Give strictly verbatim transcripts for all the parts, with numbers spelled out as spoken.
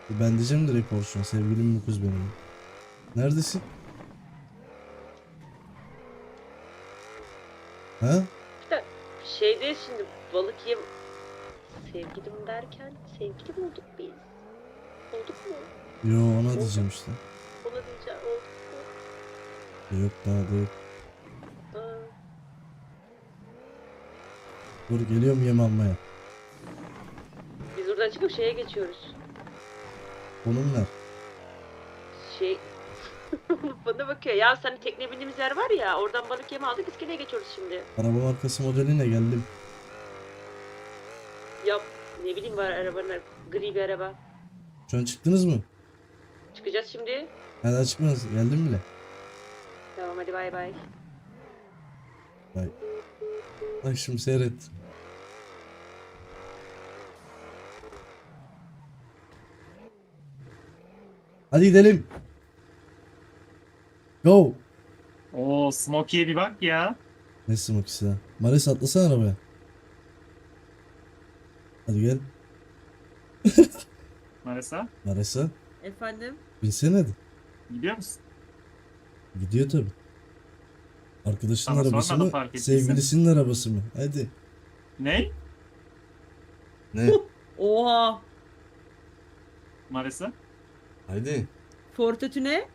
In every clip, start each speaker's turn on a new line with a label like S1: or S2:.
S1: Ben diyeceğim direkt Orçun. Sevgilim bu kız benim. Neredesin? Ha?
S2: İşte şeyde şimdi balık yem sevgilim derken sevgili mi olduk biz? Olduk mu?
S1: Yo, ona
S2: Olduk.
S1: diyeceğim işte.
S2: Ona diyeceğim olduk mu?
S1: Yok, daha da yok.
S2: Aa,
S1: Dur, geliyorum yem almaya.
S2: biz buradan çıkıp şeye geçiyoruz.
S1: Konum ver.
S2: Şey bana bakıyor. Ya sen tekne bindiğimiz yer var ya oradan balık yemi aldık iskeleye geçiyoruz şimdi.
S1: Araba markası modeline geldim.
S2: Ya ne bileyim var arabanın gri bir araba.
S1: Şu an çıktınız mı?
S2: Çıkacağız şimdi.
S1: Hala çıkmadınız. Geldim bile.
S2: Tamam hadi bay bay.
S1: Bak. Bak şimdi seyret. Hadi gidelim. Go.
S3: Oo, Smokey'e bir bak ya.
S1: Ne smokisi ya? Maris, atlasana arabaya. Hadi gel.
S3: Marisa.
S1: Maris'a.
S2: Efendim?
S1: Binsene hadi.
S3: Gidiyor musun?
S1: Gidiyor tabi. Arkadaşının
S3: Sana
S1: arabası
S3: sormadım
S1: mı?
S3: fark ettiysen.
S1: Sevgilisinin arabası mı? Hadi.
S3: Ne?
S1: Ne?
S2: Oha.
S3: Marisa.
S1: Hadi.
S2: Fortüne.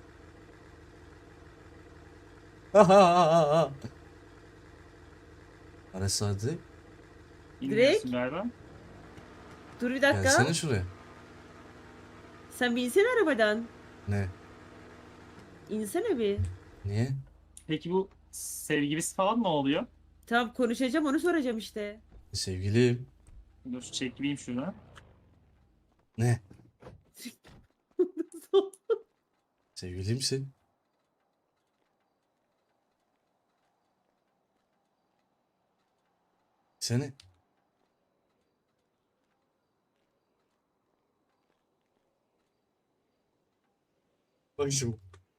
S1: Maris hadi.
S3: İnmiyorsun
S2: Direkt.
S3: galiba.
S2: Dur bir dakika.
S1: Gelsene şuraya.
S2: Sen bir insene arabadan.
S1: Ne?
S2: İnsene bir.
S1: Niye?
S3: Peki bu sevgilisi falan mı oluyor?
S2: Tamam konuşacağım onu soracağım işte.
S1: Sevgilim.
S3: Dur çekeyim şunu.
S1: Ne? Sevgilimsin. Seni. Bak şimdi.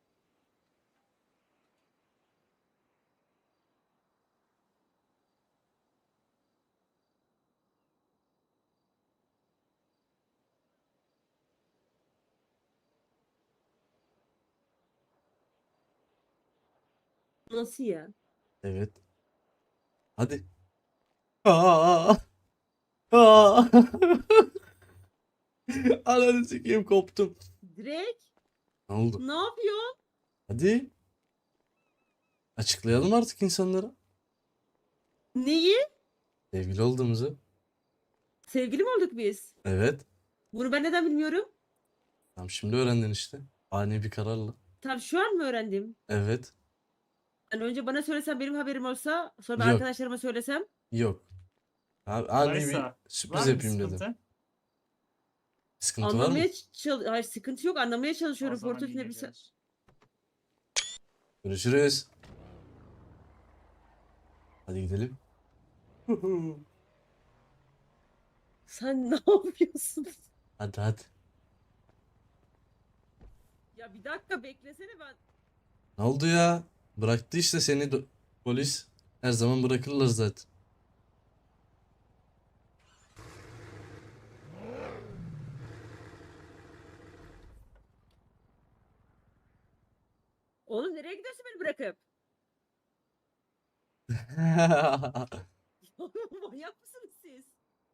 S2: Nasıl ya?
S1: Evet. Hadi. Aa! Aa! Ananı sikeyim, koptum.
S2: Direkt.
S1: Ne oldu?
S2: Ne yapıyorsun?
S1: Hadi. Açıklayalım artık insanlara.
S2: Neyi?
S1: Sevgili olduğumuzu.
S2: Sevgili mi olduk biz?
S1: Evet.
S2: Bunu ben neden bilmiyorum?
S1: Tamam, şimdi öğrendin işte. Ani bir kararla.
S2: Tam şu an mı öğrendim?
S1: Evet.
S2: Hani önce bana söylesen benim haberim olsa sonra ben
S1: Yok.
S2: arkadaşlarıma söylesem
S1: Yok. Abi, ani bir
S3: Marisa.
S1: sürpriz
S3: Var mı bir
S1: yapayım dedim.
S3: sıkıntı?
S1: Sıkıntı var mı?
S2: anlamaya çal Hayır sıkıntı yok anlamaya
S3: O
S2: çalışıyorum
S3: zaman
S2: Fortnite
S3: iyi
S2: ne bir se-
S3: geceler.
S1: Görüşürüz. Hadi gidelim.
S2: Sen ne yapıyorsun?
S1: Hadi hadi.
S2: Ya bir dakika beklesene ben.
S1: Ne oldu ya? Bıraktı işte seni do- polis. Her zaman bırakırlar zaten.
S2: Oğlum nereye gidiyorsun beni bırakıp? Manyak mısınız siz?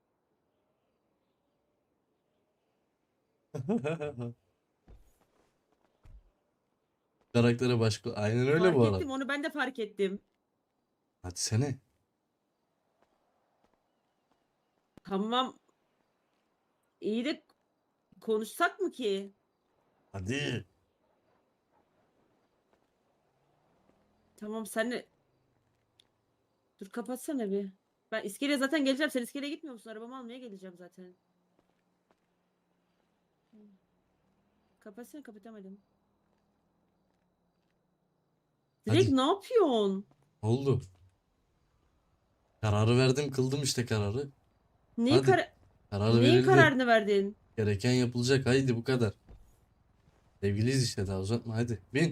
S1: Karaktere başka. Aynen öyle
S2: Fark
S1: bu arada.
S2: ettim onu ben de fark ettim.
S1: Hadi sene.
S2: Tamam iyi de konuşsak mı ki?
S1: Hadi.
S2: Tamam sen de dur kapatsana bir. Ben iskeleye zaten geleceğim. Sen iskeleye gitmiyor musun? Arabamı almaya geleceğim zaten. Kapatsana kapatamadım. Direkt
S1: Hadi.
S2: ne yapıyorsun?
S1: Ne oldu? Kararı verdim, kıldım işte kararı.
S2: Neyin,
S1: Hadi.
S2: kar
S1: Kararı
S2: Neyin
S1: verildi.
S2: kararını verdin?
S1: Gereken yapılacak. Haydi, bu kadar. Sevgiliyiz işte, daha uzatma, hadi. Bin.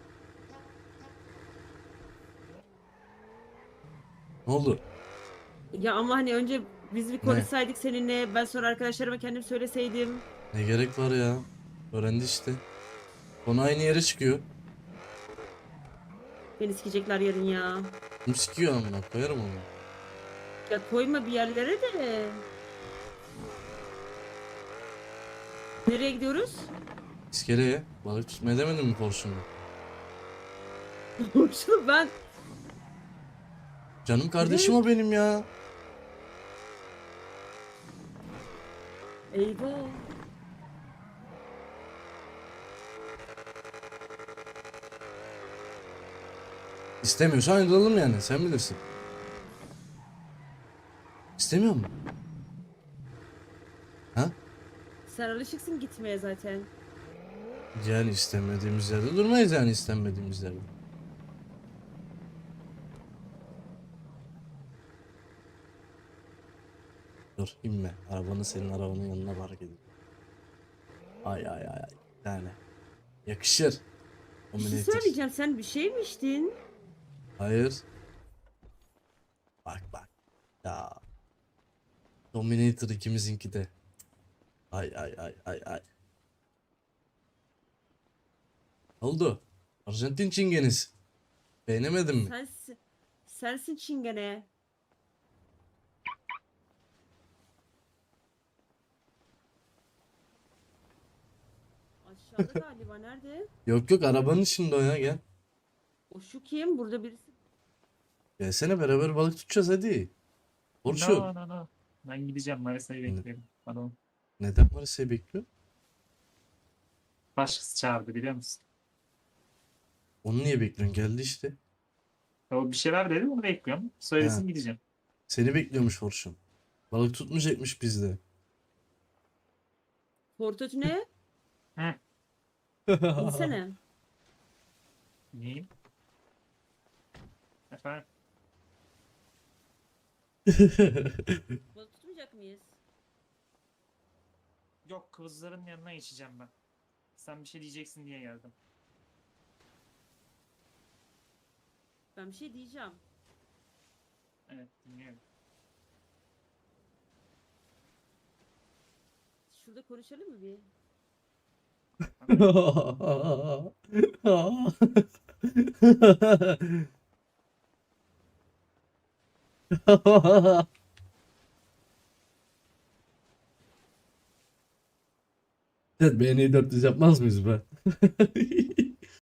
S1: Ne oldu?
S2: Ya ama hani önce biz bir
S1: Ne?
S2: konuşsaydık seninle. Ben sonra arkadaşlarıma kendim söyleseydim.
S1: Ne gerek var ya? Öğrendi işte. Konu aynı yere çıkıyor.
S2: Beni sikecekler yarın ya.
S1: Kim sikiyor amına koyarım onu.
S2: Ya koyma bir yerlere de. Nereye gidiyoruz?
S1: İskeleye balık tutmaya demedim mi Porsche'unda?
S2: Şunu ben...
S1: Canım kardeşim o benim ya.
S2: Eyvah.
S1: İstemiyorsan ayrılalım yani sen bilirsin. İstemiyor musun? Ha?
S2: Sen alışıksın gitmeye zaten.
S1: Yani istemediğimiz yerde durmayız yani istenmediğimiz yerde. Dur inme. Arabanı senin arabanın yanına park edeyim. Ay ay ay ay. Yani. Yakışır.
S2: Bir şey
S1: Dominator.
S2: söyleyeceğim. Sen bir şey mi içtin?
S1: Hayır. Bak bak. Ya. Dominator ikimizinki de. Ay ay ay ay ay. Oldu. Arjantin çingenesi. Beğenemedin mi?
S2: Sensin. Sensin çingene. Aşağıda galiba. Nerede?
S1: Yok yok arabanın içinde o ya gel.
S2: O şu kim? Burada birisi.
S1: Gelsene beraber balık tutacağız hadi. Orçun.
S3: No no no. Ben gideceğim. Marisa'yı bekliyorum. Pardon.
S1: Neden Marisa'yı bekliyor?
S3: Başkası çağırdı biliyor musun?
S1: Onu niye bekliyorsun? Geldi işte.
S3: O bir şeyler dedi onu bekliyorum. Söylesin gideceğim.
S1: Seni bekliyormuş Orçun. Balık tutmayacakmış bizde.
S2: Portatü ne?
S3: Hı.
S2: İnsene.
S3: Neyim? Efendim?
S2: Balık tutmayacak mıyız?
S3: Yok kızların yanına geçeceğim ben. Sen bir şey diyeceksin diye geldim.
S2: Ben bir şey diyeceğim.
S3: Evet dinliyorum.
S2: Şurada konuşalım mı bir?
S1: Evet, B N dört yüz yapmaz mıyız be?